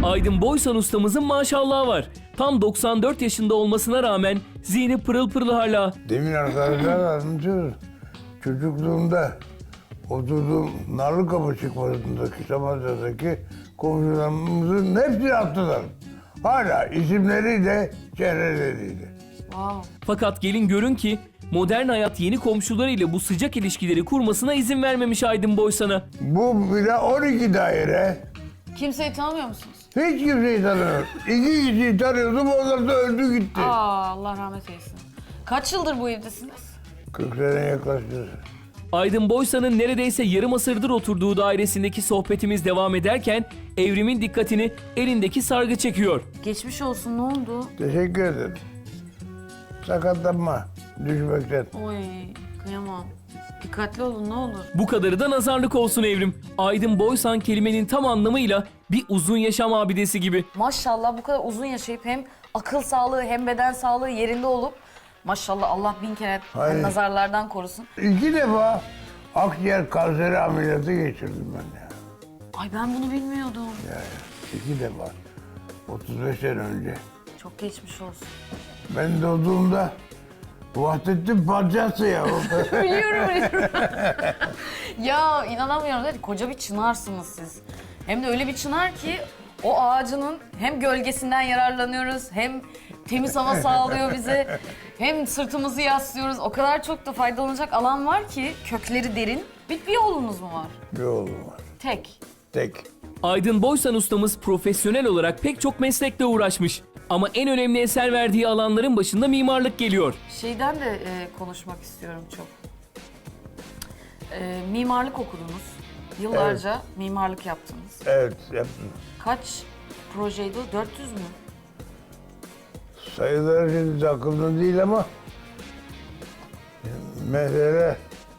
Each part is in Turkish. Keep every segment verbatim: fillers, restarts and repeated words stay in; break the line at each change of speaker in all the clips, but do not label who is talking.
Aydın Boysan ustamızın maşallahı var. Tam doksan dört yaşında olmasına rağmen zihni pırıl pırıl hala.
Demin arkadaşlar anlatıyoruz. Çocukluğumda oturduğum Narlıkapı çıkmasındaki Samatya'daki komşularımızın hepsini attılar. Hala isimleriyle, çehreleriyle.
Wow.
Fakat gelin görün ki modern hayat yeni komşularıyla bu sıcak ilişkileri kurmasına izin vermemiş Aydın Boysan'a.
Bu bile on iki daire.
Kimseyi tanımıyor musunuz?
Hiç kimseyi tanımıyorum. İki kişiyi tanıyordum, onlar da öldü gitti.
Aa, Allah rahmet eylesin. Kaç yıldır bu evdesiniz?
kırk sene yaklaştı.
Aydın Boysan'ın neredeyse yarım asırdır oturduğu dairesindeki sohbetimiz devam ederken Evrim'in dikkatini elindeki sargı çekiyor.
Geçmiş olsun, ne oldu?
Teşekkür ederim. Sakatlanma, düşmekten.
Oy, kıyamam. Dikkatli olun ne olur.
Bu kadarı da nazarlık olsun Evrim. Aydın Boysan kelimenin tam anlamıyla bir uzun yaşam abidesi gibi.
Maşallah bu kadar uzun yaşayıp hem akıl sağlığı hem beden sağlığı yerinde olup maşallah Allah bin kere
Hayır.
nazarlardan korusun.
İki defa akciğer kanseri ameliyatı geçirdim ben ya.
Ay ben bunu bilmiyordum.
ya, ya. İki defa. otuz beş sene önce.
Çok geçmiş olsun.
Ben doğduğumda Vahdettin parçası ya.
biliyorum biliyorum. ya inanamıyorum dedi. Koca bir çınarsınız siz. Hem de öyle bir çınar ki o ağacının hem gölgesinden yararlanıyoruz hem temiz hava sağlıyor bize. Hem sırtımızı yaslıyoruz. O kadar çok da faydalanacak alan var ki kökleri derin. Bir, bir oğlunuz mu var?
Bir oğlum var.
Tek.
Tek.
Aydın Boysan ustamız profesyonel olarak pek çok meslekle uğraşmış. Ama en önemli eser verdiği alanların başında mimarlık geliyor.
Şeyden de e, konuşmak istiyorum çok. E, mimarlık okudunuz. Yıllarca mimarlık yaptınız.
Evet yaptım.
Kaç projeydi o? dört yüz mü?
Sayıları şimdi aklımda değil ama mesela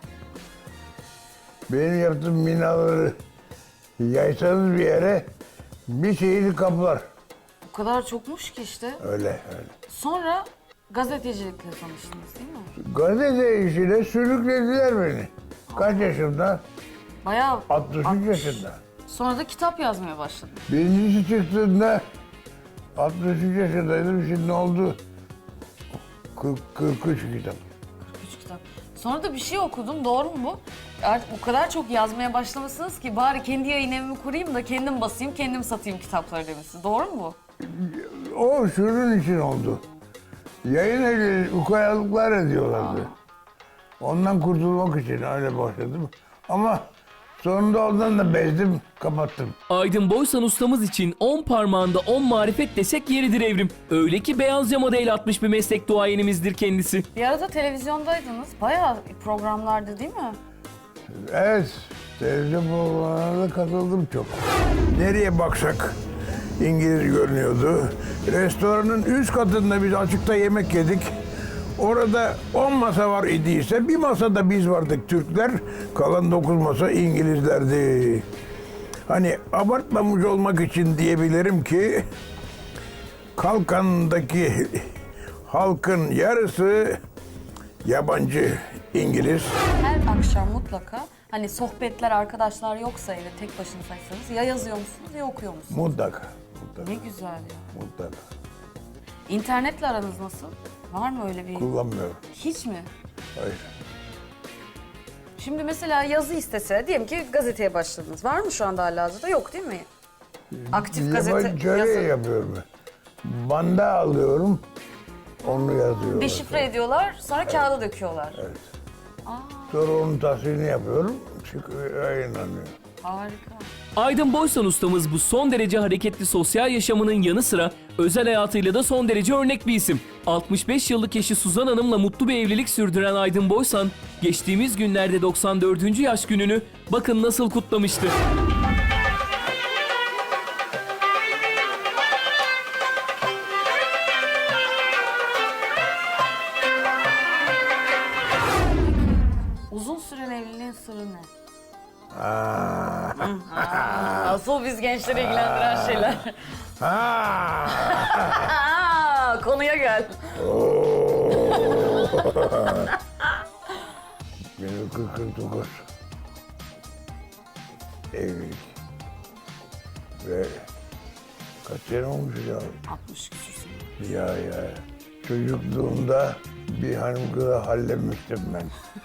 benim yaptığım binaları yaysanız bir yere bir şeyini kaplar.
O kadar çokmuş ki işte.
Öyle öyle.
Sonra gazetecilikle tanıştınız değil mi?
Gazete işine sürüklediler beni. Kaç yaşımda?
Bayağı...
altmış üç yaşında.
Sonra da kitap yazmaya başladın.
Birincisi çıktığında altmış üç yaşındaydım. Şimdi oldu kırk, kırk üç kitap.
Üç kitap. Sonra da bir şey okudum, doğru mu bu? Artık o kadar çok yazmaya başlamışsınız ki bari kendi yayın evimi kurayım da kendim basayım, kendim satayım kitapları demişsiniz. Doğru mu bu?
O şunun için oldu. Yayın evleri ukayalıklar ediyorlardı. Ondan kurtulmak için öyle başladım. Ama sonunda ondan da bezdim, kapattım.
Aydın Boysan ustamız için on parmağında on marifet desek yeridir Evrim. Öyle ki beyaz camada el atmış bir meslek duayenimizdir kendisi.
Bir arada televizyondaydınız. Bayağı programlardı değil mi?
Evet, televizyon programlarına da katıldım çok. Nereye baksak İngiliz görünüyordu. Restoranın üst katında biz açıkta yemek yedik. Orada on masa var idiyse bir masada biz vardık Türkler, kalan dokuz masa İngilizlerdi. Hani abartmamış olmak için diyebilirim ki Kalkan'daki halkın yarısı yabancı İngiliz.
Her akşam mutlaka hani sohbetler, arkadaşlar yoksa evde tek başınızaysanız ya yazıyor musunuz ya okuyor musunuz?
Mutlaka, mutlaka,
Ne güzel ya.
mutlaka.
İnternetle aranız nasıl? Var mı öyle bir?
Kullanmıyorum.
Hiç mi?
Hayır.
Şimdi mesela yazı istese, diyelim ki gazeteye başladınız. Var mı şu anda halihazırda? Yok değil mi? Aktif gazete
Yabancı şöyle
yazı.
yapıyorum ben. Banda alıyorum, onu yazıyorum.
Deşifre ediyorlar, sonra kağıda döküyorlar.
Evet. Sonra onun tasvirini yapıyorum, çıkıyor, yayınlanıyor.
Harika.
Aydın Boysan ustamız bu son derece hareketli sosyal yaşamının yanı sıra özel hayatıyla da son derece örnek bir isim. altmış beş yıllık eşi Suzan Hanım'la mutlu bir evlilik sürdüren Aydın Boysan, geçtiğimiz günlerde doksan dördüncü yaş gününü bakın nasıl kutlamıştı.
Uzun süren evliliğin sırrı ne?
Aa.
Asıl biz gençleri ilgilendiren şeyler.
Ha.
Aa, konuya gel.
bin dokuz yüz kırk dokuz evlilik ve Kaç sene olmuş ya?
altmış küsur sene.
Ya ya. Çocukluğumda bir hanım kızı hallemiştim ben.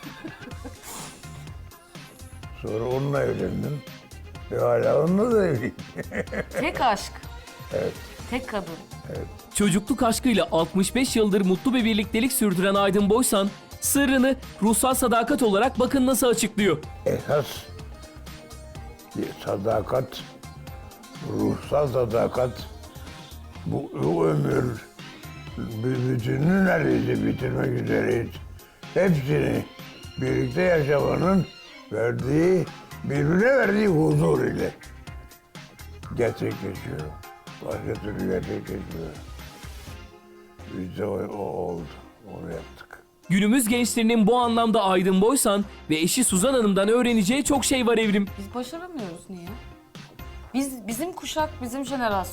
Sonra onunla evlendim. Ve hala onunla da evliyim.
Tek aşk.
Evet.
Tek kadın.
Çocukluk aşkıyla altmış beş yıldır mutlu bir birliktelik sürdüren Aydın Boysan, sırrını ruhsal sadakat olarak bakın nasıl açıklıyor.
Esas bir sadakat, ruhsal sadakat, bu, bu ömür bir bütününü neredeyse bitirmek üzereyiz. Hepsini birlikte yaşamanın verdiği, birbirine verdiği huzur ile gerçekleşiyor. Başka türlü gerçekleşmiyor. Biz de o, o oldu, onu yaptık.
Günümüz gençlerinin bu anlamda Aydın Boysan ve eşi Suzan Hanım'dan öğreneceği çok şey var Evrim.
Biz başaramıyoruz niye? Biz bizim kuşak, bizim jenerasyon